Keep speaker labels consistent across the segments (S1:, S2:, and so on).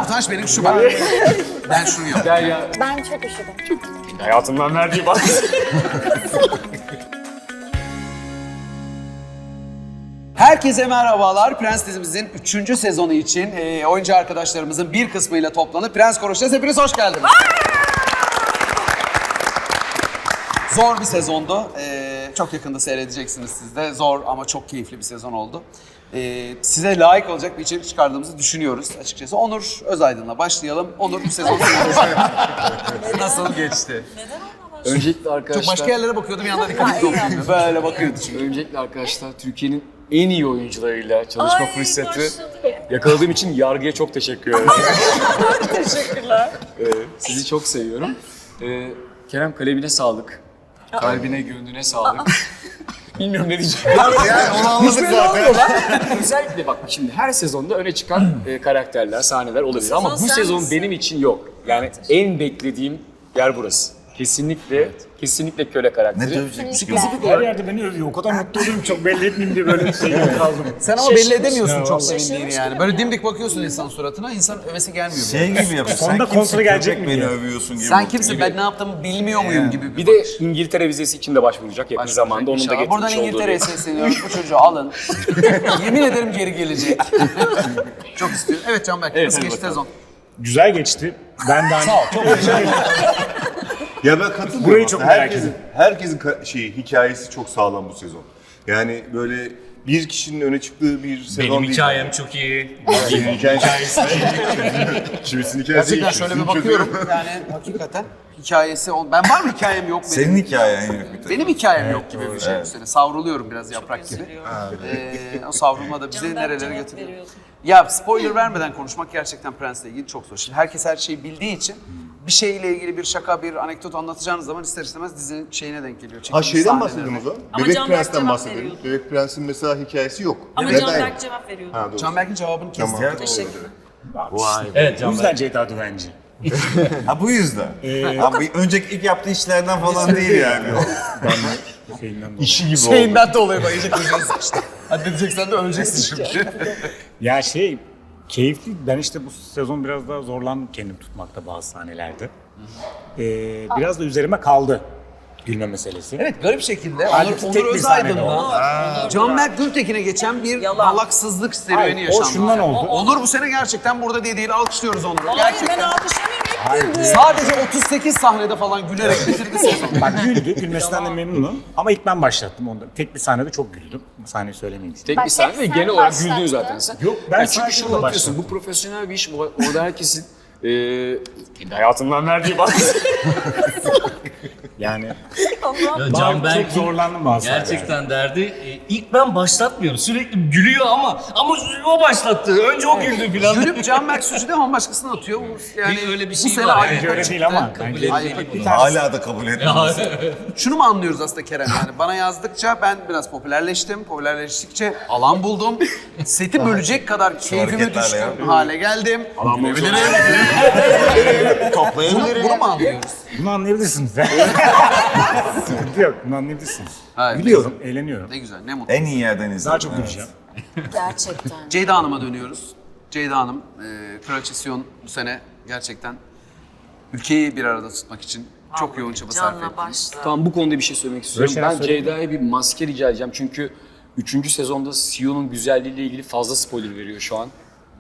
S1: utanç benim şu bak. Ben şunu yaptım.
S2: Ben çok üşüdüm.
S3: Hayatımdan verdiği bak.
S1: Herkese merhabalar. Prens dizimizin 3. sezonu için oyuncu arkadaşlarımızın bir kısmıyla toplanıp Prens konuşacağız. Hepiniz hoş geldiniz. Zor bir sezondu. Çok yakında seyredeceksiniz siz de. Zor ama çok keyifli bir sezon oldu. Size layık olacak bir içerik çıkardığımızı düşünüyoruz açıkçası. Onur Özaydın'la başlayalım. Onur bu sezon nasıl geçti?
S3: Öncelikle arkadaşlar...
S1: Çok başka yerlere bakıyordum, yanına dikkat etmiyorum. Böyle bakıyordu çünkü.
S3: Öncelikle arkadaşlar Türkiye'nin en iyi oyuncularıyla çalışma fırsatı yakaladığım için yargıya çok teşekkür ederim.
S2: Teşekkürler.
S3: Sizi çok seviyorum. Kerem kalemine sağlık. Kalbine, gönlüne sağlık. Bilmiyorum ne diyeceğim.
S4: Yani onu anladık zaten.
S3: Özellikle bak şimdi her sezonda öne çıkan karakterler, sahneler olabilir ama bu sezon benim için yok. Yani en beklediğim yer burası. Kesinlikle köle karakteri.
S5: Her yerde beni övüyor. O kadar mutlu oluyorum çok belli etmeyeyim diye böyle kaldım.
S1: Sen ama belli edemiyorsun çok sevindiğini yani. Böyle dimdik bakıyorsun insan suratına, insan övesi gelmiyor.
S4: Şey gibi yapıyor.
S5: Sonunda konsole gelecek mi
S4: beni
S5: diye.
S4: övüyorsun gibi.
S1: Sen kimsin, ben ne yaptığımı bilmiyor muyum gibi
S3: Bir de İngiltere vizesi için de başvuracak yakın zamanda. Onun da
S1: İnşallah.
S3: getirmiş
S1: Buradan
S3: olduğu
S1: İngiltere'ye
S3: bir-
S1: sesleniyoruz. Bu çocuğu alın. Yemin ederim geri gelecek. Çok istiyorum. Evet Canberk, nasıl geçti sezon?
S5: Güzel geçti. Ben de
S1: Sağ ol, çok teşekkür ederim.
S4: Ya ben katılıyorum.
S5: Burayı çok
S4: aslında.
S5: merak
S4: Herkesin hikayesi çok sağlam bu sezon. Yani böyle bir kişinin öne çıktığı bir sezon
S6: Benim
S4: değil.
S6: hikayem çok iyi.
S4: Benim hikayesi. Şimdisinin hikayesi
S1: Gerçekten şöyle bir bakıyorum. Yani hakikaten hikayesi... Ben var mı hikayem yok benim?
S4: Senin hikayen yok bir tek.
S1: Benim hikayem yok gibi bir şey bu sene. Savruluyorum biraz yaprak gibi. O savrulma da bizi nerelere götürüyor. Ya spoiler vermeden konuşmak gerçekten Prens'le ilgili çok zor. Şimdi herkes her şeyi bildiği için bir şeyle ilgili bir şaka, bir anekdot anlatacağınız zaman ister istemez dizinin şeyine denk geliyor.
S4: Ha
S1: çekilmiş
S4: şeyden
S1: sahnelerine.
S4: bahsedelim o zaman.
S2: Ama
S4: Bebek
S2: Canberk
S4: Prens'ten
S2: cevap
S4: bahsedelim.
S2: veriyordu.
S4: Bebek Prens'in mesela hikayesi yok.
S2: Ama
S4: Neden
S2: Canberk
S4: yok?
S2: cevap veriyordu.
S4: Ha, doğru.
S1: Canberk'in cevabını kestim.
S4: Tamam.
S2: Teşekkür.
S6: Evet
S5: o
S6: Can
S5: yüzden Ceyda Düvenci.
S4: Ha bu yüzden. Abi önceki ilk yaptığı işlerden falan değil yani.
S5: Şeyinden dolayı.
S4: İşi gibi oldu.
S1: Şeyinden dolayı bayacak işte. Hadi diyeceksen de öleceksin şimdi.
S5: Ya keyifli. Ben işte bu sezon biraz daha zorlandım kendim tutmakta bazı sahnelerde. Biraz da üzerime kaldı gülme meselesi.
S1: Evet, garip şekilde
S5: Halbuki
S1: Onur
S5: tek bir sahnede
S1: Özaydın'la Canberk Gültekin'e geçen bir alaksızlık serüveni
S5: Hayır,
S1: yaşandı.
S5: o şundan oldu.
S1: Onur bu sene gerçekten burada değil, alkışlıyoruz Onur'u.
S2: Hayır
S1: Gerçekten.
S2: ben alkışlamıyorum.
S1: Sadece 38 sahnede falan gülerek bitirdi sezonu.
S5: Bak güldü, gülmesinden de memnunum. Ama ilk ben başlattım onda. Tek bir sahnede çok güldüm. Sahneyi söylemeyeyim istedim.
S3: Tek bir sahne ve genel olarak güldün zaten sen.
S5: Yok, ben
S3: Yani çünkü
S5: sadece
S3: şunu
S5: burada
S3: anlatıyorsun,
S5: başladım.
S3: bu profesyonel bir iş, orada herkesin hayatımdan verdiği bak.
S5: Yani
S6: Canberk
S5: çok zorlandım bazı
S6: gerçekten derdi. İlk ben başlatmıyorum. Sürekli gülüyor ama o başlattı. Önce o güldü falan.
S1: Gülüp Canberk suçu değil ama başkasına atıyor. Yani
S6: öyle bir
S1: bu
S6: şey
S1: sene
S6: var.
S1: ayrı
S5: Bence öyle değil ama. Bence
S4: Hala da kabul etmiyoruz.
S1: Şunu mu anlıyoruz aslında Kerem, yani bana yazdıkça ben biraz popülerleştim. Popülerleştikçe alan buldum. Seti bölecek kadar keyfime
S4: hareketlerle
S1: düşkün
S4: ya.
S1: hale geldim. Bunu mu anlıyoruz?
S5: bunu anlayabilirsiniz. Sıkıntı yok, bunu anlayabilirsiniz.
S1: Hayır,
S5: Gülüyorum, eğleniyorum.
S1: Ne güzel, ne mutlu.
S4: En iyi yerden izledim.
S5: Daha çok
S4: evet.
S5: güleceğim.
S2: Gerçekten.
S1: Ceyda Hanım'a dönüyoruz. Ceyda Hanım, Kraliçe Sion bu sene gerçekten ülkeyi bir arada tutmak için çok yoğun çaba sarf etti.
S2: Canla başla.
S3: Tamam, bu konuda bir şey söylemek istiyorum.
S5: şeyler
S3: Ben
S5: söyleyeyim.
S3: Ceyda'ya bir maske rica edeceğim çünkü 3. sezonda Sion'un güzelliğiyle ilgili fazla spoiler veriyor şu an.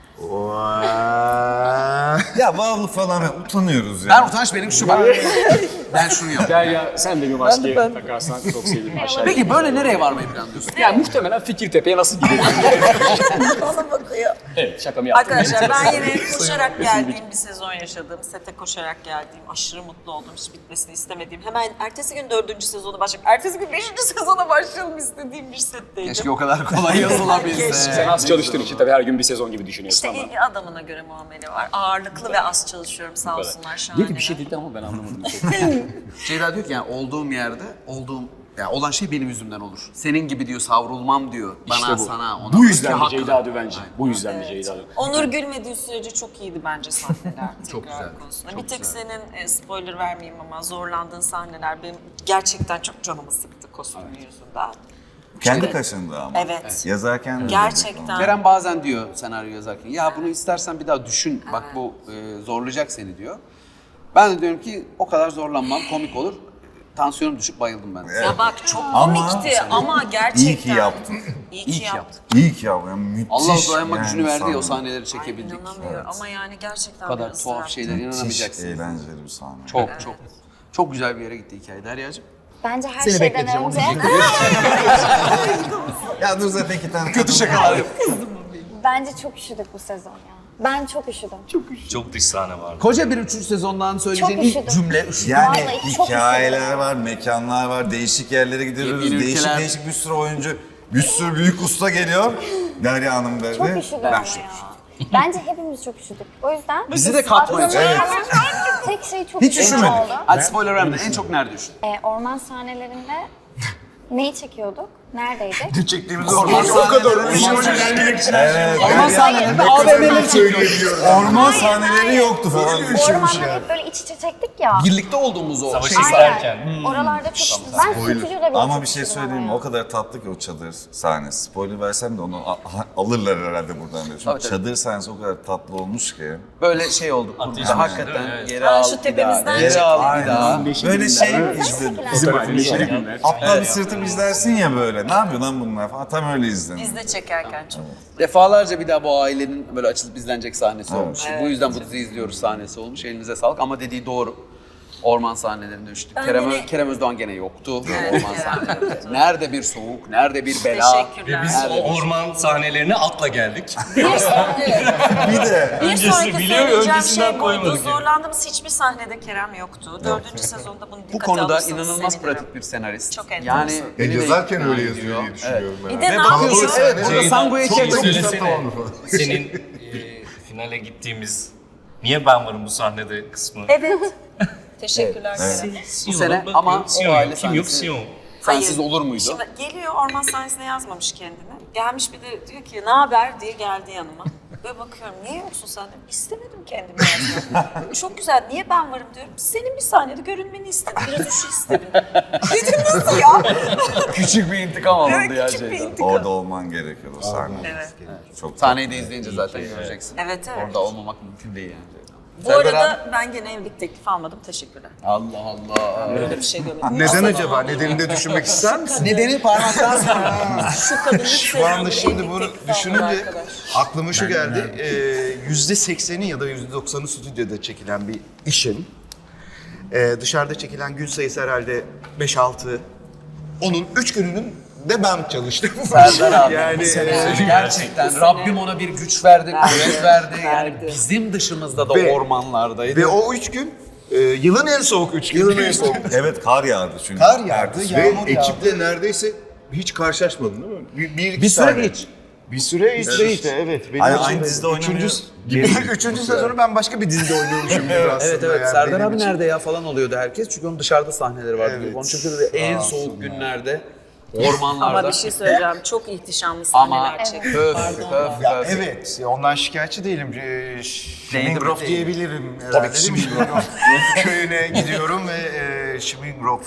S4: Ya bağlı falan utanıyoruz ya.
S1: Ben utanç benim şu bak. Ben şunu yaptım.
S3: Derya sen de bir maske takarsan çok sevinirim aşağıya.
S1: Peki böyle nereye varmayı planlıyorsun?
S3: Yani muhtemelen Fikirtepe'ye nasıl gidelim?
S2: Bana bakıyor.
S3: Evet, şakamı yaptım.
S2: Arkadaşlar ben yine koşarak geldiğim bir sezon yaşadım. Sete koşarak geldiğim, aşırı mutlu oldum. Hiç bitmesini istemediğim. Hemen ertesi gün 4. sezonu başlayıp, ertesi gün 5. sezona başlayalım istediğim bir setteydim.
S1: Keşke o kadar kolay yazılabilse.
S3: Sen az çalıştığın için tabii her gün bir sezon gibi düşünüyorsun
S2: İşte
S3: ama.
S2: adamına göre muamele var. Ağırlıklı ve az çalışıyorum sağ olsunlar şu an.
S3: Dedi bir şey dedi ama ben anlamadım.
S1: Ceyda diyor ki yani olduğum yerde, yani olan şey benim yüzümden olur. Senin gibi diyor savrulmam diyor. Bana,
S3: İşte bu.
S1: sana, ona.
S3: Bu yüzden de
S1: Haklı.
S3: Ceyda Düvenci. Bu yüzden de Ceyda Düvenci.
S2: Onur gülmediği sürece çok iyiydi bence sahneler.
S1: Çok
S2: tekrar
S1: güzel,
S2: konusunda.
S1: çok
S2: Bir tek
S1: güzel.
S2: senin spoiler vermeyeyim ama zorlandığın sahneler benim gerçekten çok canımı sıktı kostümün yüzünden.
S7: Kendi kaşındı ama.
S2: Evet.
S7: Yazarken de
S2: Gerçekten.
S1: Kerem bazen diyor senaryo yazarken, ya bunu istersen bir daha düşün, bak bu zorlayacak seni diyor. Ben de diyorum ki o kadar zorlanmam, komik olur. Tansiyonum düşüp bayıldım ben.
S2: Ya bak çok
S7: Ama-
S2: komikti ama gerçekten.
S7: İyi ki yaptık.
S2: İyi ki yaptık.
S7: İyi ki yaptım. Yani müthiş.
S1: Allah dayanma
S7: yani
S1: gücünü verdi ya o
S7: sahne.
S1: sahneleri
S2: Ay,
S1: çekebildik.
S2: inanamıyorum ama yani gerçekten
S1: Bu kadar
S2: bir
S1: tuhaf
S2: ısrar.
S1: şeyler
S7: Müthiş
S1: inanamayacaksınız.
S7: eğlenceli bir sahne.
S1: Çok güzel bir yere gitti hikaye. Derya'cığım.
S8: Bence her
S1: Seni
S8: şeyden
S1: bekleteceğim, onu
S8: önce
S7: Ya dur zaten iki tane
S1: Kötü şakalar yap.
S8: bence çok üşüdük bu sezon ya. Ben çok üşüdüm.
S6: Çok dış sahne vardı.
S1: Koca bir 3. sezondan söyleyeceğin
S8: Çok
S1: ilk
S8: üşüdüm.
S1: cümle üşüdüm.
S7: Yani
S8: Vallahi çok
S7: hikayeler
S8: üşüdüm.
S7: var, mekanlar var, değişik yerlere gidiyoruz,
S1: Yeni
S7: değişik
S1: ülkeler.
S7: değişik bir sürü oyuncu, bir sürü büyük usta geliyor. Derya Hanım dedi.
S8: Çok üşüdüm ama ya. Bence hepimiz çok üşüdük. O yüzden...
S1: Bizi de katmayın.
S8: Aklıma
S1: Evet.
S8: gelen Tek şey çok
S1: Hiç
S8: üşüdüm
S1: üşümedik.
S8: oldu.
S1: Hadi spoiler verme. En çok nerede üşüdün?
S8: Orman sahnelerinde neyi çekiyorduk? Neredeydik?
S4: Çektiğimiz orman o kadar
S1: Orman sahnelerinde AVM'leri çekiyoruz.
S7: Orman sahneleri yoktu falan.
S8: Ormanları hep böyle iç içe çektik ya.
S1: Birlikte olduğumuz o
S6: Savaşı
S1: şey.
S6: izlerken.
S8: Oralarda çok... Ben stüdyoda bile
S7: Ama
S8: çok
S7: bir şey
S8: üşüdüm
S7: söyleyeyim mi?
S8: ama
S7: O kadar tatlı ki o çadır sahnesi. Spoiler versem de onu alırlar herhalde buradan diye. Çünkü
S1: Tabii, tabii.
S7: çadır sahnesi o kadar tatlı olmuş ki.
S1: Böyle şey oldu.
S6: Ateş
S1: Kurguda
S6: mi?
S1: hakikaten
S6: Evet.
S1: geri
S2: Ha,
S1: al
S2: şu
S1: bir
S2: tepemizden
S1: daha. Geri
S2: çek.
S1: al bir daha.
S7: Böyle şey işte
S5: Bizim ailemiz
S7: aptal bir sırtım izlersin ya böyle. Ne yapıyor lan bunlar falan. Tam öyle izledim.
S2: Biz de çekerken çok.
S1: Defalarca bir daha bu ailenin böyle açılıp izlenecek sahnesi olmuş. Bu yüzden bu diziyi izliyoruz sahnesi olmuş. Elinize sağlık ama dediği doğru. Orman sahnelerinde üşüdük.
S2: Ben
S1: Kerem,
S2: yine-
S1: Kerem Özdoğan gene yoktu
S2: Evet,
S1: orman
S2: Kerem
S1: sahnelerinde. Nerede bir soğuk, nerede bir bela.
S2: Teşekkürler.
S6: Biz o orman sahnelerine atla geldik.
S7: Bir de
S2: Bir
S6: Öncesi
S2: sonraki
S6: biliyor,
S2: söyleyeceğim
S6: öncesinden
S2: şey buydu.
S6: koymadık yani.
S2: Zorlandığımız hiçbir sahnede Kerem yoktu. 4. sezonda bunu dikkate
S1: Bu konuda
S2: alırsanız
S1: inanılmaz
S2: sevinirim.
S1: pratik bir senarist.
S2: Çok enteresan.
S1: Yani beni de
S4: Yazarken
S1: ikna
S4: öyle
S1: ediyor.
S4: yazıyor diye düşünüyorum ben.
S2: Bir de ne
S1: Bakıyorsun,
S2: yapıyor?
S1: evet burada Sango'ya
S6: Çok
S1: çek.
S6: söylesene. Senin finale gittiğimiz niye ben varım bu sahnede kısmı.
S2: Evet. Teşekkürler Kerem.
S1: Bu sene ama o aile
S6: kim yok
S1: sahnesi
S6: Sion.
S1: sensiz olur muydu?
S2: Şimdi geliyor orman sahnesine yazmamış kendini. Gelmiş bir de diyor ki ne haber diye geldi yanıma. Böyle bakıyorum niye yoksun sen? Diyorum, İstemedim kendimi yazmak. Çok güzel niye ben varım diyorum. Senin bir sahnede görünmeni istedim. Biraz üşü istedim. Dedim nasıl ya?
S1: Küçük bir intikam alındı
S2: Evet,
S1: ya
S2: küçük bir
S1: şeyden.
S2: intikam.
S7: orada olman gerekiyor o sahne.
S2: Evet.
S7: Çok
S1: Sahneyi de izleyince zaten göreceksin.
S2: Evet, evet.
S1: Orada olmamak mümkün değil yani.
S2: Bu arada ben gene evlilik teklifi almadım. Teşekkürler.
S1: Allah Allah.
S2: Öyle bir şey görmedim.
S4: Neden acaba? Nedenini de düşünmek ister misin?
S1: Nedeni parmaktan sonra.
S2: Şu kadını
S9: Şu anda şimdi
S2: evlilik
S9: bunu
S2: teklifi aldı
S9: düşününce
S2: arkadaş.
S9: aklıma şu geldi. %80'i ya da %90'ı stüdyoda çekilen bir işin dışarıda çekilen gün sayısı herhalde 5-6. Onun 3 gününün de ben çalıştım.
S1: Serdar abi.
S9: Yani
S1: Gerçekten Rabbim ona bir güç verdi, kuvvet verdi. Yani
S2: Verdi.
S1: bizim dışımızda da
S9: Ve-
S1: ormanlardaydı.
S9: ve o 3 gün yılın en soğuk 3 gün. Yılın en soğuk.
S7: Evet kar yağdı çünkü.
S9: Kar yağdı,
S4: Ve
S9: yağmur yağdı.
S4: ekiple neredeyse hiç karşılaşmadın değil mi? Bir iki
S1: bir süre
S4: sahne.
S1: geç.
S9: Bir süre işte evet. Benim
S7: Aynı,
S9: için
S7: aynı
S9: de
S7: dizide oynamıyor.
S9: Üçüncü sezonu ben başka bir dizide oynuyormuşum gibi aslında.
S1: Evet evet.
S9: yani
S1: Serdar
S9: benim
S1: abi
S9: için.
S1: nerede ya falan oluyordu herkes. Çünkü onun dışarıda sahneleri vardı.
S9: Evet.
S1: Onun çünkü en soğuk günlerde ormanlarda.
S2: Ama bir şey söyleyeceğim. Çok ihtişamlı
S1: Ama
S2: sahneler çekti.
S1: höf
S2: Pardon.
S9: Ya evet, ondan şikayetçi değilim. Schmingrof diyebilirim herhalde.
S4: Tabii ki
S9: değil mi? Schmingrof köyüne gidiyorum ve Schmingrof,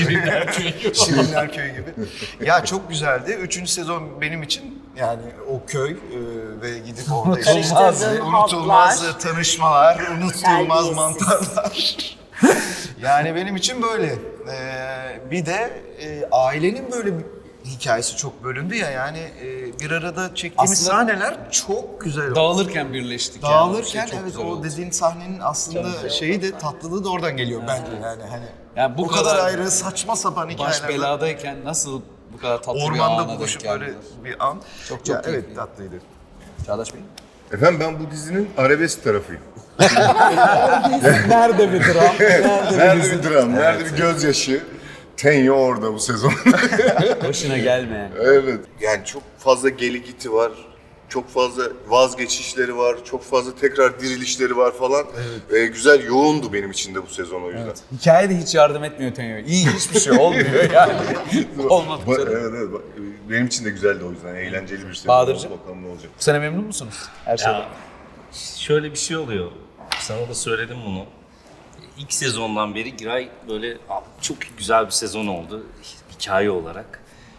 S9: Şirinler Köyü gibi. Ya çok güzeldi. 3. sezon benim için yani o köy ve gidip orada işte
S2: Karıştırdığın
S9: unutulmaz
S2: hatlar.
S9: tanışmalar, unutulmaz
S2: Terbiyesiz.
S9: mantarlar. Yani benim için böyle. Bir de ailenin böyle bir hikayesi çok bölündü ya yani bir arada çektiğimiz
S1: Aslında-
S9: sahneler çok güzel oldu.
S1: Dağılırken birleştik.
S9: Dağılırken
S1: yani. Şey çok
S9: evet
S1: güzel
S9: o
S1: oldu.
S9: dediğin sahnenin aslında şeyi de tatlılığı da oradan geliyor bence yani hani.
S1: Yani bu
S9: o kadar
S1: kadar
S9: ayrı saçma sapan
S1: Baş
S9: hikayeler.
S1: beladayken nasıl bu kadar tatlı bir
S9: Ormanda
S1: ana denk
S9: buluşup böyle
S1: geldiler.
S9: bir an.
S1: Çok
S9: Ya,
S1: keyifli.
S9: evet tatlıydı.
S1: Çağdaş Bey.
S4: Efendim ben bu dizinin arabesk tarafıyım.
S1: Nerede bir dram?
S4: Nerede bir dram, nerede bir gözyaşı. Tenyo orada bu sezon.
S1: Başına gelme.
S4: Evet. Yani çok fazla geli giti var. Çok fazla vazgeçişleri var. Çok fazla tekrar dirilişleri var falan. Güzel, yoğundu benim için de bu sezon o yüzden.
S1: Hikaye de hiç yardım etmiyor Tenyo. İyi hiçbir şey olmuyor yani. Olmadı bu sene.
S4: Evet, evet. Benim için de güzeldi o yüzden. Eğlenceli bir sezon.
S1: Bahadır'cığım?
S4: Bakalım ne olacak.
S1: Bu sene memnun musunuz? Her şeyden.
S6: Ya, şöyle bir şey oluyor. Sana da söyledim bunu. İlk sezondan beri Giray böyle çok güzel bir sezon oldu hikaye olarak.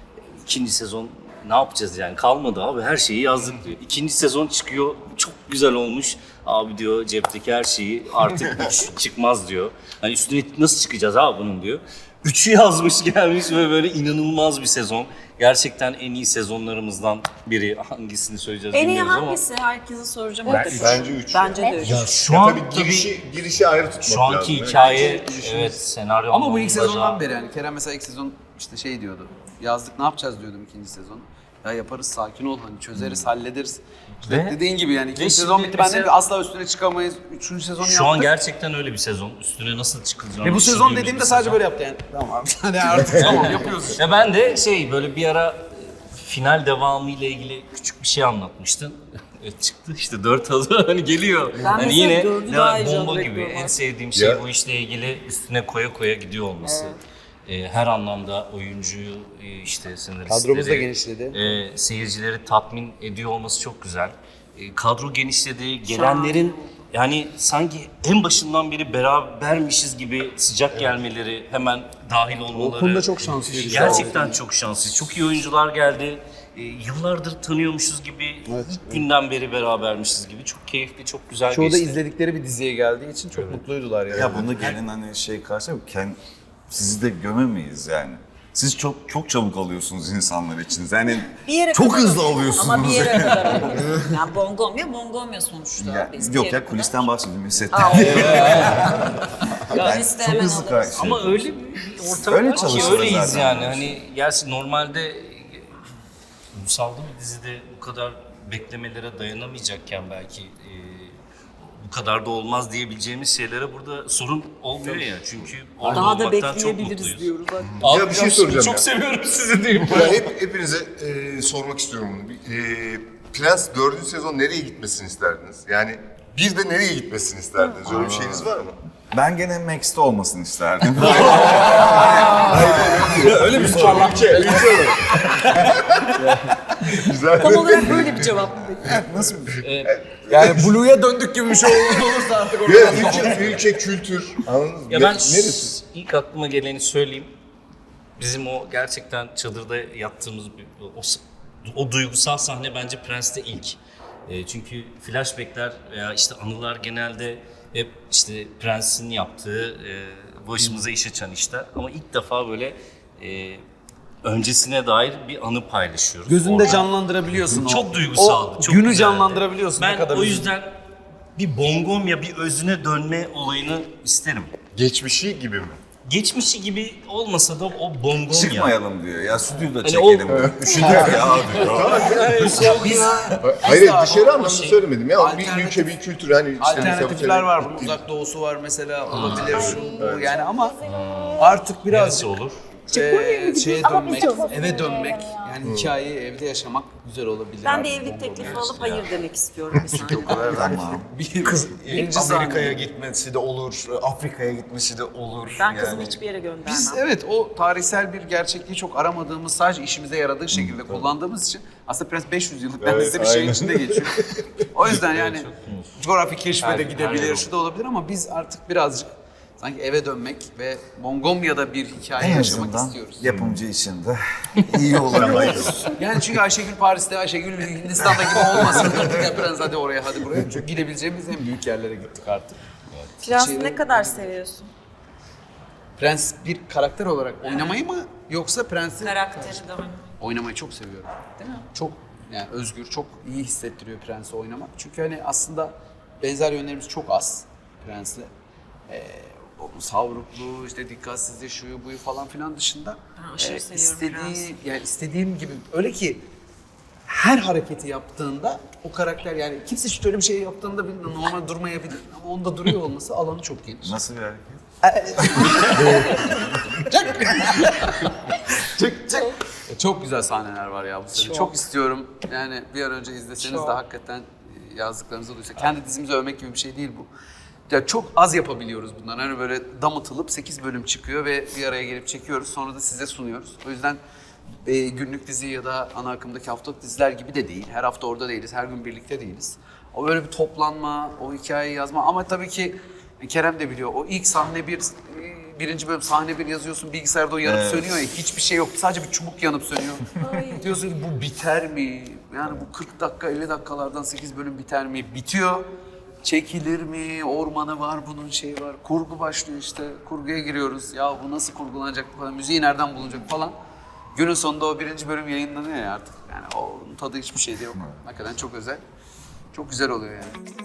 S6: ikinci sezon ne yapacağız yani, kalmadı abi, her şeyi yazdık diyor. İkinci sezon çıkıyor, çok güzel olmuş. Abi diyor, cepteki her şeyi artık 3 çıkmaz diyor. Hani üstüne nasıl çıkacağız abi bunun diyor. 3'ü yazmış gelmiş ve böyle inanılmaz bir sezon. Gerçekten en iyi sezonlarımızdan biri. Hangisini söyleyeceğiz
S2: En iyi
S6: bilmiyoruz ama.
S2: hangisi? Herkese soracağım.
S4: Bence 3.
S2: Bence de 3.
S6: Ya şu an
S4: Tabii girişi ayrı tutmak
S6: şu anki
S4: lazım.
S6: hikaye, evet, senaryo
S1: Ama bu ilk
S6: anlamında
S1: sezondan
S6: da-
S1: beri yani Kerem mesela ilk sezon işte şey diyordu. Yazdık ne yapacağız diyordum ikinci sezon. Ya yaparız, sakin ol, hani çözeriz, hallederiz. İşte
S6: Ve-
S1: dediğin gibi yani ikinci
S6: ve
S1: sezon
S6: şimdi
S1: bitti, ben dedim
S6: mesela-
S1: ki asla üstüne çıkamayız. Üçüncü sezonu
S6: Şu
S1: yaptık.
S6: an gerçekten öyle bir sezon. Üstüne nasıl çıkılacağını
S1: Ve bu sezon
S6: düşündüğümüz
S1: dediğimde
S6: bir
S1: sadece
S6: sezon.
S1: böyle yaptı yani. Tamam hani artık tamam yapıyoruz işte.
S6: Ya ben de böyle bir ara final devamı ile ilgili küçük bir şey anlatmıştın. Evet, çıktı işte 4 adı hani geliyor. Hani
S2: mesela
S6: yine
S2: dördü daha heyecanlı
S6: bomba gibi.
S2: bekliyorum
S6: En
S2: artık.
S6: sevdiğim şey
S4: Ya.
S6: bu işle ilgili üstüne koya koya gidiyor olması. Her anlamda oyuncuyu, işte senaristleri,
S1: Kadromuz da genişledi.
S6: Seyircileri tatmin ediyor olması çok güzel. Kadro genişledi, gelenlerin yani sanki en başından beri berabermişiz gibi sıcak gelmeleri, hemen dahil olmaları.
S1: O konuda çok şanslıyız.
S6: Gerçekten çok şanslıyız. Çok iyi oyuncular geldi. Yıllardır tanıyormuşuz gibi, ilk günden beri berabermişiz gibi. Çok keyifli, çok güzel
S1: Çoğu da
S6: geçti.
S1: izledikleri bir diziye geldiği için çok mutluydular yani.
S7: Ya bunda gelin hani şey karşı sizi de gömemeyiz yani. Siz çok çabuk alıyorsunuz insanlar için. Yani
S2: Bir yere
S7: çok
S2: kadar
S7: hızlı
S2: alıyor.
S7: alıyorsunuz.
S2: Ama bir yere kadar alıyor. Yani bongomya sonuçta.
S7: Ya,
S2: Biz bir
S7: yok
S2: yere
S7: ya
S2: kadar-
S7: kulisten bahsediyorum. Setten.
S2: Kuliste
S7: çok
S2: hemen
S7: hızlı
S2: alırız.
S6: Ama öyle bir ortam
S7: Öyle
S6: var ki
S7: çalışıyorlar
S6: öyleyiz
S7: zaten.
S6: yani. Hani gerçi normalde uysalda bir dizide bu kadar beklemelere dayanamayacakken belki bu kadar da olmaz diyebileceğimiz şeylere burada sorun olmuyor ya. Çünkü orada
S2: Daha da
S6: olmaktan çok
S2: bekleyebiliriz
S6: mutluyuz.
S2: diyoruz. Bak.
S6: Abi
S4: Ya bir şey soracağım
S6: çok
S4: ya.
S6: seviyorum sizi diyeyim.
S4: Ya hepinize sormak istiyorum bunu. Prens 4. sezon nereye gitmesini isterdiniz? Yani bir de nereye gitmesini isterdiniz? Öyle bir şeyiniz var mı?
S7: Ben gene Max'te olmasını isterdim.
S1: Öyle mi soru?
S4: Güzel.
S2: Tam olarak böyle bir cevap mı peki?
S7: Nasıl?
S1: Yani Blue'ya döndük gibi bir şey olursa artık orada.
S4: Ya ülke kültür. Anladınız mı?
S6: Ya ben
S4: Neresi?
S6: ilk aklıma geleni söyleyeyim. Bizim o gerçekten çadırda yattığımız o duygusal sahne bence Prens'te ilk. Çünkü flashbackler veya işte anılar genelde hep işte Prens'in yaptığı başımıza iş açan işler. Ama ilk defa böyle öncesine dair bir anı paylaşıyoruz.
S1: Gözünde
S6: orada.
S1: canlandırabiliyorsun o.
S6: Çok duygusaldı.
S1: O
S6: çok
S1: günü
S6: güzeldi.
S1: canlandırabiliyorsun.
S6: Ben
S1: ne kadar
S6: o
S1: üzücü.
S6: yüzden bir bongomya, bir özüne dönme olayını isterim.
S4: Geçmişi gibi mi?
S6: Geçmişi gibi olmasa da o bongomya.
S7: Çıkmayalım diyor. Ya stüdyoda
S6: Hani
S7: çekelim. Üşüdük ya abi.
S4: Hayır
S1: abi,
S4: dışarı
S6: o
S4: anlamda
S6: şey-
S4: söylemedim ya. Bir
S1: Alternatif-
S4: ülke bir kültür hani işte
S1: Alternatifler var. Bunun uzak doğusu var mesela. Olabilir şu bu yani ama artık biraz
S6: Neresi olur?
S1: şeye
S8: Ama
S1: dönmek,
S8: biz çok
S1: eve dönmek.
S8: seviyorum ya.
S1: Yani hikayeyi evde yaşamak güzel olabilir.
S2: Ben
S1: abi.
S2: de evlilik teklifi alıp hayır demek istiyorum bir saniye.
S7: Tamam.
S1: Birinci
S9: Amerika'ya
S1: sahne.
S9: gitmesi de olur, Afrika'ya gitmesi de olur.
S2: Ben kızımı
S9: Yani.
S2: hiçbir yere göndermem.
S1: Biz evet o tarihsel bir gerçekliği çok aramadığımız, sadece işimize yaradığı şekilde kullandığımız için aslında Prens 500 yıllık neredeyse bir şeyin içinde geçiyor. O yüzden yani coğrafi keşfe de gidebilir, şu da olabilir ama biz artık birazcık sanki eve dönmek ve Mongomya'da bir hikaye
S7: En
S1: yaşamak
S7: azından
S1: istiyoruz.
S7: yapımcı için de iyi olabilir.
S1: Yani çünkü Ayşegül Paris'te, Ayşegül Hindistan'da gibi olmasın. Artık ya Prens hadi oraya hadi buraya. Çünkü gidebileceğimiz en büyük yerlere gittik artık.
S2: Prens'i ne kadar seviyorsun?
S1: Prens bir karakter olarak oynamayı mı yoksa Prens'i
S2: Karakteri de oynamayı.
S1: oynamayı çok seviyorum. Değil mi? Çok yani özgür, çok iyi hissettiriyor Prens'i oynamak. Çünkü hani aslında benzer yönlerimiz çok az Prens'le. O savrukluğu, işte dikkatsizliği, şuyu buyu falan filan dışında
S2: Ben aşırı seviyorum Prens'i.
S1: yani istediğim gibi öyle ki her hareketi yaptığında o karakter yani kimse şöyle bir şey yaptığında normal durmayabilir ama onda duruyor olması alanı çok geniş.
S7: Nasıl bir hareket?
S1: Çok güzel sahneler var ya bu sene. Çok istiyorum. Yani bir an önce izleseniz de hakikaten yazdıklarınızı duysa. Kendi dizimizi övmek gibi bir şey değil bu. Ya çok az yapabiliyoruz bundan. Hani böyle damıtılıp 8 bölüm çıkıyor ve bir araya gelip çekiyoruz. Sonra da size sunuyoruz. O yüzden günlük dizi ya da ana akımdaki haftalık diziler gibi de değil. Her hafta orada değiliz, her gün birlikte değiliz. O böyle bir toplanma, o hikayeyi yazma ama tabii ki Kerem de biliyor. O ilk sahne bir birinci bölüm sahne bir yazıyorsun, bilgisayarda o yanıp sönüyor ya, hiçbir şey yok. Sadece bir çubuk yanıp sönüyor. Diyorsun ki bu biter mi? Yani bu 40 dakika, 50 dakikalardan 8 bölüm biter mi? Bitiyor. Çekilir mi? Ormanı var, bunun şeyi var. Kurgu başlıyor işte. Kurguya giriyoruz. Ya bu nasıl kurgulanacak falan, müziği nereden bulunacak falan. Günün sonunda o birinci bölüm yayınlanıyor ya artık. Yani onun tadı hiçbir şeyde yok. Hakikaten çok özel. Çok güzel oluyor yani.